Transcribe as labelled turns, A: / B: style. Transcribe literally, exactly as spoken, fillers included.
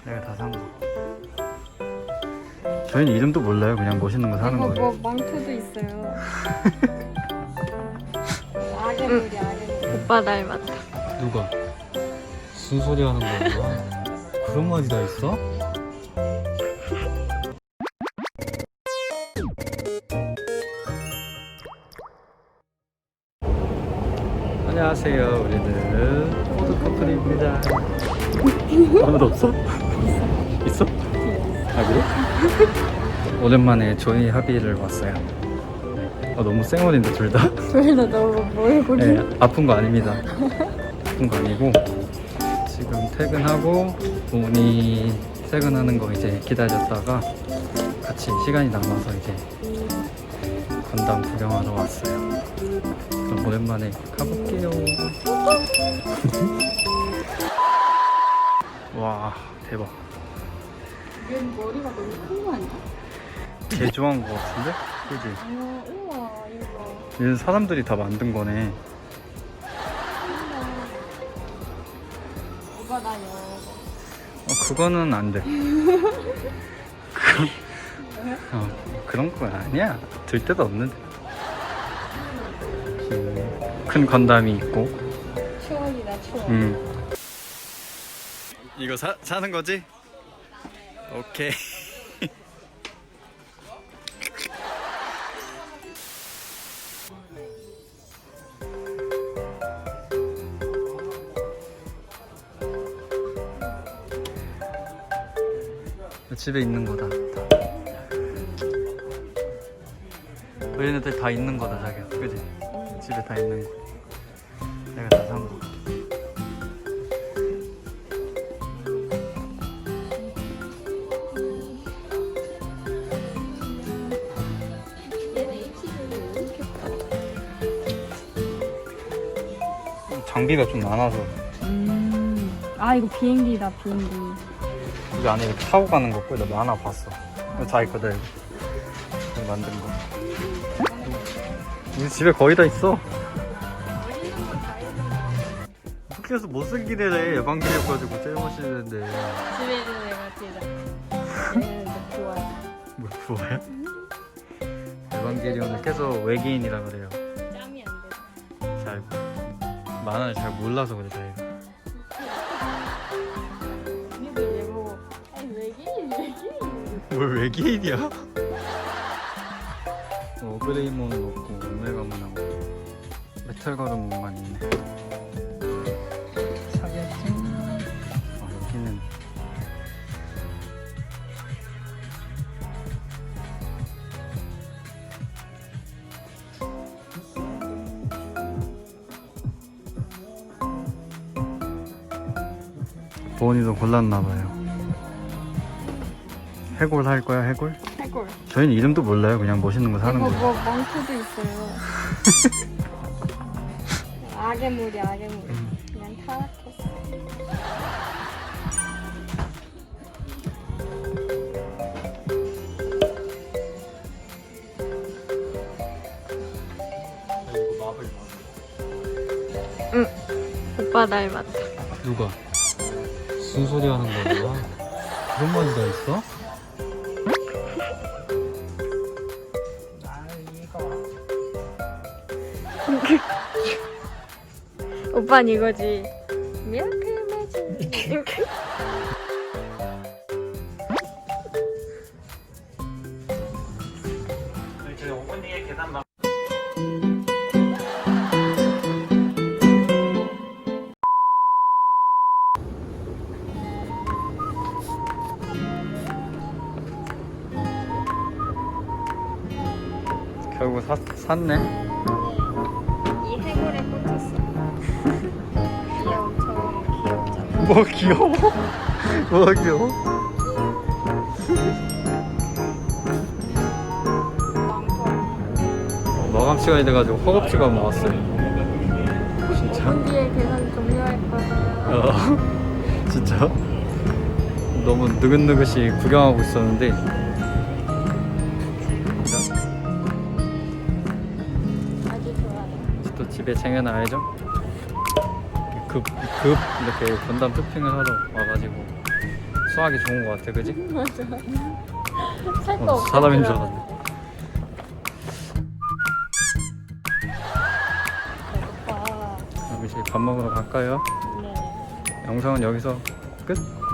A: 내가 다 산 거. 저희는 이름도 몰라요. 그냥 멋있는 거 사는
B: 이거
A: 거예요.
B: 뭐 망토도 있어요. 아게물이 아게물.
C: 오빠 닮았다.
A: 누가? 무슨 소리 하는 거야? 그런 말이 다 있어? 안녕하세요. 우리는 포드 커플입니다. 아무도 없어? 있어? 아 그래? 오랜만에 조이 합의를 왔어요. 어, 너무 쌩얼인데 둘 다?
B: 둘 다 너무 몰골이.
A: 네, 아픈 거 아닙니다. 아픈 거 아니고 지금 퇴근하고 부모님 퇴근하는 거 이제 기다렸다가 같이 시간이 남아서 이제 건담 구경하러 왔어요. 그럼 오랜만에 가볼게요. 와 대박.
B: 얘 머리가 너무 큰 거 아니야?
A: 개 좋아한 거 같은데? 그지?
B: 어, 우와 이거.
A: 얘는 사람들이 다 만든 거네.
B: 오빠 나 이거.
A: 어, 그거는 안 돼. 그, 어, 그런 거 아니야. 들 데도 없는데. 음, 큰 건담이 있고.
B: 추억이다 추억.
A: 음. 이거 사, 사는 거지? 오케이. 집에 있는 거다. 다. 얘네들 다 있는 거다, 자기야. 그지? 집에 다 있는 거. 내가 다 산 거. 장비가 좀 많아서.
B: 음. 아 이거 비행기다 비행기.
A: 이 안에 이렇게 타고 가는 거 거의 나 하나 봤어. 이거 자기 거다 이거. 이거 만든 거. 우리 집에 거의 다 있어. 학교에서 못생긴 애래. 예방기력가지고 제일 멋있는데.
B: 집에 있는 애가 찌다. 얘는 좋아해.
A: 뭐 부어요? 에반게리온을 계속 외계인이라 그래요.
B: 짬이 안 돼.
A: 잘 만화를 잘 몰라서 그래 자기가.
B: 언니들 얘 보고 아니 외계인 외계인.
A: 뭘 외계인이야? 어, 그레이몬 먹고 오메가몬 하고 메탈 가루몬만 있네. 사겠지? 아 여기는 보은이도 골랐나봐요. 해골 할 거야 해골?
B: 해골.
A: 저희는 이름도 몰라요. 그냥 멋있는 거 사는
B: 이거
A: 거예요.
B: 뭐 망토도 있어요. 아게물이 아게물. 그냥 타락했어.
C: 응. 오빠 닮았다.
A: 누가? 무슨 소리 하는 거야? 그런 말이 다 있어?
C: 오빠는 이거지. 미라클 매직.
A: 저희 어머니의 계단만. 결국 사, 샀네.
B: 이 해골에 꽂혔어. 얘 엄청 귀엽잖아.
A: 뭐 귀여워? 뭐가 귀여워? 어, 마감 시간이 돼가지고 허겁지겁 나왔어요. 진짜?
B: 분 뒤에 계산 종료했거든요.
A: 어, 진짜? 너무 느긋느긋이 구경하고 있었는데
B: 아주 좋아요.
A: 또 집에 챙겨놔야죠. 급, 급 이렇게 건담 쇼핑을 하러 와가지고 수학이 좋은 것 같아, 그지?
B: 맞아. 살거
A: 어,
B: 없어.
A: 사람인 줄 알았네.
B: 오빠.
A: 그럼 이제 밥 먹으러 갈까요?
B: 네.
A: 영상은 여기서 끝?